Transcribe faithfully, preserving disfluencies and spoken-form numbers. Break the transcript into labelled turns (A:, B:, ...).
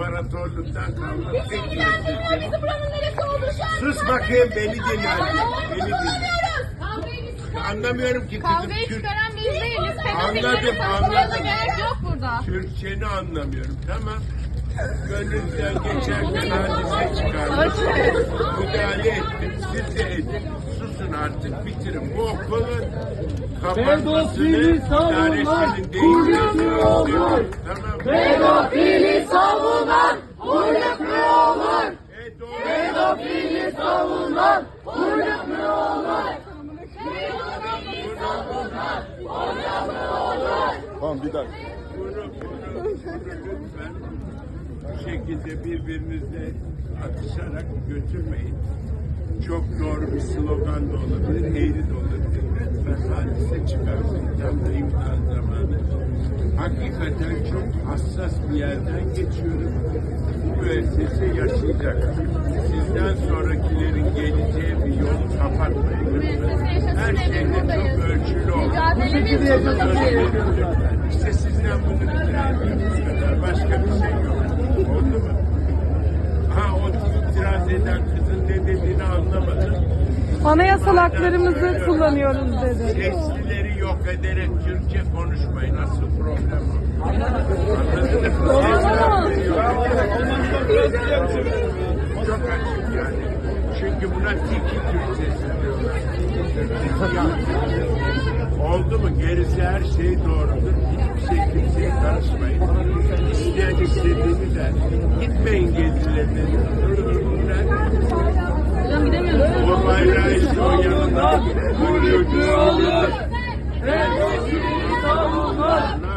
A: İmparatorluktan kalma tek bir
B: Bizi buranın neresi oldu şu an?
A: Sus bakayım, beni dinle. Beni dinle.
B: Anlamıyoruz.
A: Anlamıyorum ki kızım.
B: Kavgayı
A: Türk,
B: çıkaran biz değiliz.
A: Anladım, anladım.
B: Gerek yok burada.
A: Türkçeni anlamıyorum. Tamam. Gönlünüzden geçerken hadise çıkardım. Müdahale ettim. Siz de edin. Susun artık, bitirin. Bu okulun kapatmasını idaresinin değişmesini istiyorum. Tamam.
C: Pedofili savunan uyruk mu olur?
A: Evet, doğru.
C: Pedofili savunan uyruk mu olur?
D: Tamam bir dakika.
A: Bunu, bunu, bunu lütfen bu şekilde birbirinizle atışarak götürmeyin. Çok doğru bir slogan da olabilir, eğri de olabilir. Lütfen hadise çıkarsın. Tam da imtihan zamanı. Hakikaten çok hassas bir yerden geçiyoruz. Bu müessese yaşayacak. Sizden sonrakilerin geleceği bir yolu kapatmayın lütfen. Her şeyde çok ölçülü olun. Lütfen. İşte sizden bunu rica ediyorum. Bu kadar. Başka bir şey yok. Oldu mu? Ha, o itiraz eden kızın ne dediğini anlamadım.
E: Anayasal haklarımızı kullanıyoruz dedi.
A: Seslileri yok ederek Türkçe konuşmayın. Asıl problem o. Anladınız mı? Seslileri yok ederek. Çok açık yani. Çünkü buna tiki Türkçesi diyorlar. Oldu mu? Gerisi her şey doğrudur. Hiçbir şey kimseye karışmayın. İsteyen istediğini der. Gitmeyin gezilerine.
B: Hocam gidemiyoruz.
A: O bayrağı işte o yanında. Bu çocuğu olur.
C: Pedofili savunan